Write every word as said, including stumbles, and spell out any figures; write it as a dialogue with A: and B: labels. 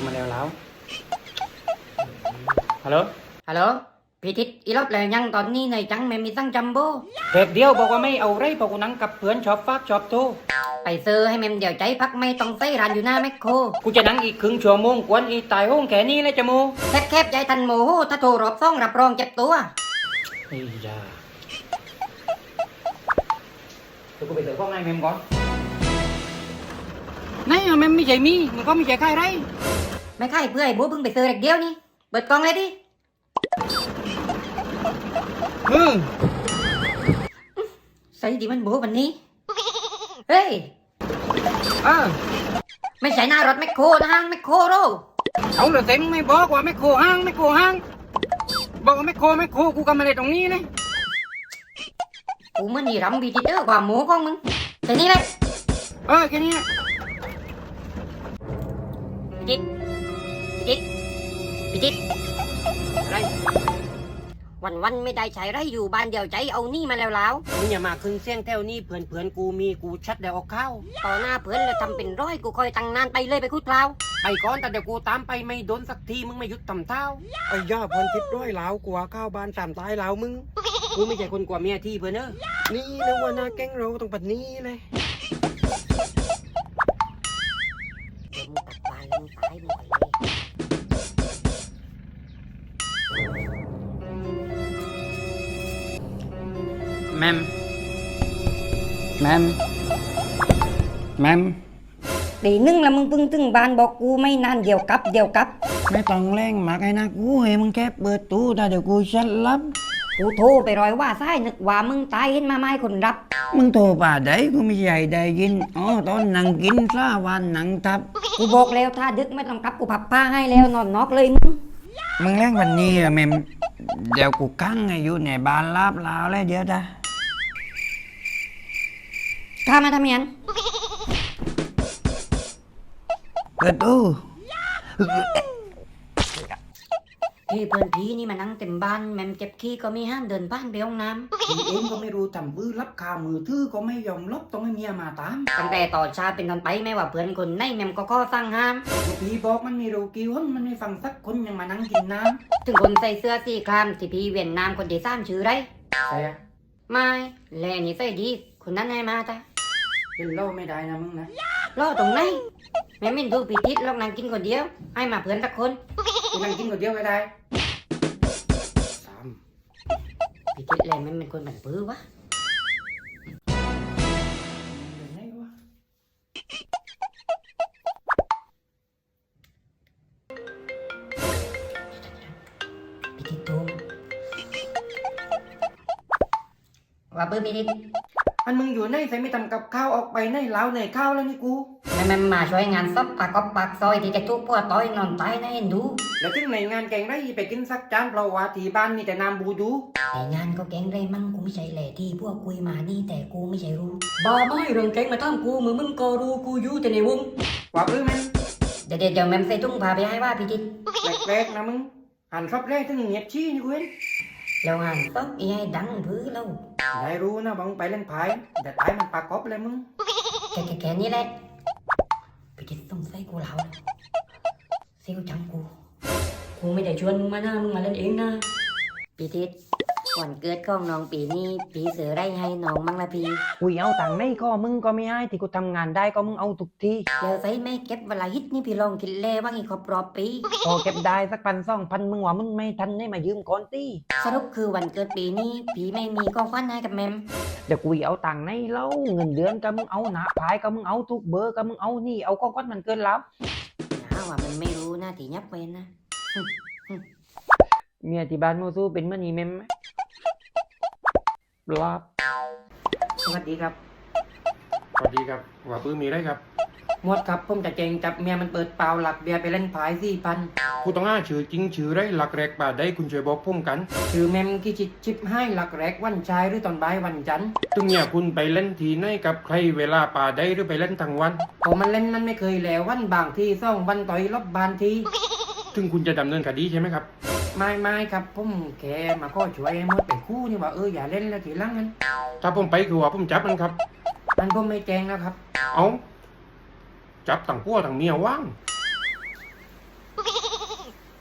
A: มาแล้วแล้วฮัลโหล
B: ฮัลโหลพี่ทิศอีรอบแล้วยังตอนนี้ในจังแม่มีตั้งจัมโบ้
A: เด็กเดียวบอกว่าไม่เอาไรบอกกูนั่งกับเพื่อนชอบฟากชอบโต
B: ไปซื้อให้แม่เดี๋ยวใจพักไม่ต้องใส่ร้านอยู่หน้าแมคโคร
A: กูจะนั่งอีกครึ่งชั่วโมงกวนอีตายห้องแค่นี้เลยจะโม
B: แคบแคบใจทันโมโหถ้าโทรรอบซ่องรับรองเจ็บตัว
A: ไอ้ยาเดี๋ยวกูไปเจอข้องในแมมก่อนไหนอะแมมไม่ใช่มีมันก็ไม่ใช่ใครไร
B: ไม่ใช่เพื่อไอ้บัวเพิ่งไปซื้อเด็กเดียวนี่เปิดกล่องเลยดิ
A: อืม
B: ใส่ดิมันบัววันนี้เฮ้ย
A: อ่า
B: ไม่ใช่หน้ารถแมคโครนะฮะแมคโครโร
A: เอาเลยเต็มไม่บอกว่าไม่โคห้างไม่โคห้างบอกว่าไม่โคไม่โคกูก็มาเลยตรงนี้เลย
B: กูมันนี่รำบีจิเตอร์กว่าหมูของมึงแค่นี้เลย
A: เออแค่นี้
B: พี่จิ๊ดพี่จิ๊ดพี่จิ๊ด
A: อะไร
B: วันวันไม่ได้ใช้ไรอยู่บ้านเดียวใจเอานี่มาแล้วแล้ว
A: มึงอย่ามาขึ้นเสียงแถวนี้เพื่อนเพื่อนกูมีกูชัดเดี๋ยวเอาเข้า
B: ต่อหน้าเพื่อนเลยทำเป็นร้อยกูคอยตั้งนานไปเลยไปคุดเปล่า
A: ไปก่อนแต่เดี๋ยวกูตามไปไม่โดนสักทีมึงไม่หยุดต่ำเท้าไอ้ย่าเพื่อนคิดร้อยแล้วกลัวข้าวบ้านสามตายแล้วมึงกูไม่ใช่คนกลัวเมียที่เพื่อนเนอะนี่นะว่าหน้าแก๊งเราต้องปัดนี้เลย
B: เดี๋ยวมึงตัดบานแล้วมึงตายมึงไปเลย
A: แมมแมมแมม
B: ตีนึงแล้วมึงเพิ่งถึงบ้านบอกกูไม่นานเดี๋ยวกลับเดี๋ยวกลับ
A: ไม่ต้องแรงมากไอ้นะกูเฮ้มึงแค่เปิดตู้แต่เดี๋ยวกูชัดลับ
B: กูโทรไปรอยว่าซ้ายนึกว่ามึงตายเห็นมาไม่คนรับ
A: มึงโทรป่าได้กูไม่ใหญ่ได้ยินอ๋อตอนนั่งกินซาวันนั่งทับ
B: กูบอกแล้วถ้าดึกไม่ต้องกลับกูพับผ้าให้แล้วนอนนอกเลยมึง
A: มึงแรงวันนี้อะแมมเดี๋ยวกูกั้งอยู่ในบ้านลาบลาวแล้วเดี๋ยวจ้ะ
B: ข้ามาทำยัง
A: เปิดตู้
B: พี่เพื่อนพี่นี่มานั่งเต็มบ้านแมมเจ็บขี้ก็ไม่ห้ามเดินบ้านไปห้องน้ำ
A: พี่เองก็ไม่รู้ทำบื้อรับข่าวมือถือก็ไม่ยอมลบต้องให้เมียมาตาม
B: ตั้งแต่ต่อชาเป็นตอนไปไม่ว่าเพื่อนคนไหนแมมก็ข้อสั่งห้าม
A: พี่บอกมันมีรูกี่คนมันไม่ฟังสักคนยังมานั่งกินน้
B: ำถึงคนใส่เสื้อสีครามที่พี่เวียนน้ำคนที่สามชื่อไร
A: ใช่อะ
B: ไม่แลนี่ใส่ดีคนนั้นให้มาจ้ะ
A: เป็นเล่าไม่ได้นะมึงนะ
B: ล่อตรงไหนแม่ไม่ดูพี่ทิศลองนั่งกินคนเดียวให้มาเพื่อนสักคน
A: กูนั่งกินคนเดียวไม่ได้สาม
B: พี่ทิศแลไม่เป็นคนบันปื้อวะพี่ทิศตูมว่าปื้อพี่ทิศ
A: อันมึงอยู่ในใส่ไม่ทำกับข้าวออกไปในเล้าในข้าวแล้วนี่กู
B: แม่แม่มาช่วยงานซับปากกอบปากซอยที่จะทุกพวกต้อยนอนตายนะเห็นดู
A: แล้วถึงในงานแกงไรไปกินสักจานเพราะว่าที่บ้านมีแต่น้ำบูดู
B: ในงานก็แกงไรมั่งกูไม่ใช่แหล่ที่พวกคุยมานี่แต่กูไม่ใช่รู้บ้าไม่เรื่องแกงมาทำกูมือมึงก็รู้กูอยู่แต่ในวง
A: ว่าปื้อมัน
B: เดี๋ยวเดี๋ยวแม่ใส่ตุ้งพาไปให้ว่าพี่ทิศ
A: แรกๆนะมึงหันชอบแรกถึงเงียบชี้นี่กูเห็น
B: แล้วหันต๊อกอีให้ดังพื้นแล้ว
A: ได้รู้นะบังไปเล่นไพ่แต่ตายมันปากกอบเลยมึง
B: แค่แค่นี้แหละพี่ทิศต้องใส่กูแล้วเซลจังกูกูไม่ได้ชวนมึงมาหน้ามึงมาเล่นเองนะพี่ทิศวันเกิดของน้องปีนี้พี่เสือไรให้น้องมั่งละพี่
A: กูเอาตังค์ไม่ก็มึงก็ไม่ให้ที่กูทำงานได้ก็มึงเอาทุกที
B: แล้วใส่ไม่เก็บเวลาฮิตนี่พี่ลองคิดเล่ว่าอีกครบรอบปี
A: พอเก็บได้สักพันสองพันมึงว่ามึงไม่ทันได้มายืมก่อนตี
B: สรุปคือวันเกิดปีนี้พี่ไม่มีของขวัญให้กับแมม
A: เดี๋ยวกูเอาตังค์ในเล่าเงินเดือนก็มึงเอาหนาพายก็มึงเอาทุกเบอร์ก็มึงเอานี่เอาของขวัญมันเกินแล้ว
B: นะว่ามันไม่รู้นะที่ยับเว้นนะ
A: เมียที่บ้านมูซูเป็นเมื่อนี้แมมลาบสวัสดีครับ
C: สวัสดีครับว่าปื้มมีได้ครับ
A: หมดครับผมจะเจงจับเมียมันเปิดเปล่าหลักเบียร์ไปเล่นพายสี่พัน
C: ผู้ต้องหาชื่อจริงชื่อไรหลักแรกป่าได้คุณช่วยบอกผมกัน
A: ชื่อแมมกิจิชิปให้หลักแรกวันชายหรือตอนบ่ายวันจันทร์
C: ตึงเนี่ยคุณไปเล่นทีไหนกับใครเวลาป่าได้หรือไปเล่นทั้งวัน
A: พอมันเล่นมันไม่เคยแล้ววันบางทีซ่องวันต่อยรอบบานที
C: ถึงคุณจะดำเนินคดีใช่ไหมครับ
A: ไม่ไม่ครับผมแค่มาข้อช่วยมดเป็นคู่นี่ว่าเอออย่าเล่นแล้วทีหลังนั้น
C: ถ้าผมไปคือว่าผมจับมันครับ
A: มันผมไม่แจ้งแล้วครับ
C: เอาจับต่างพัวต่างเมียว่าง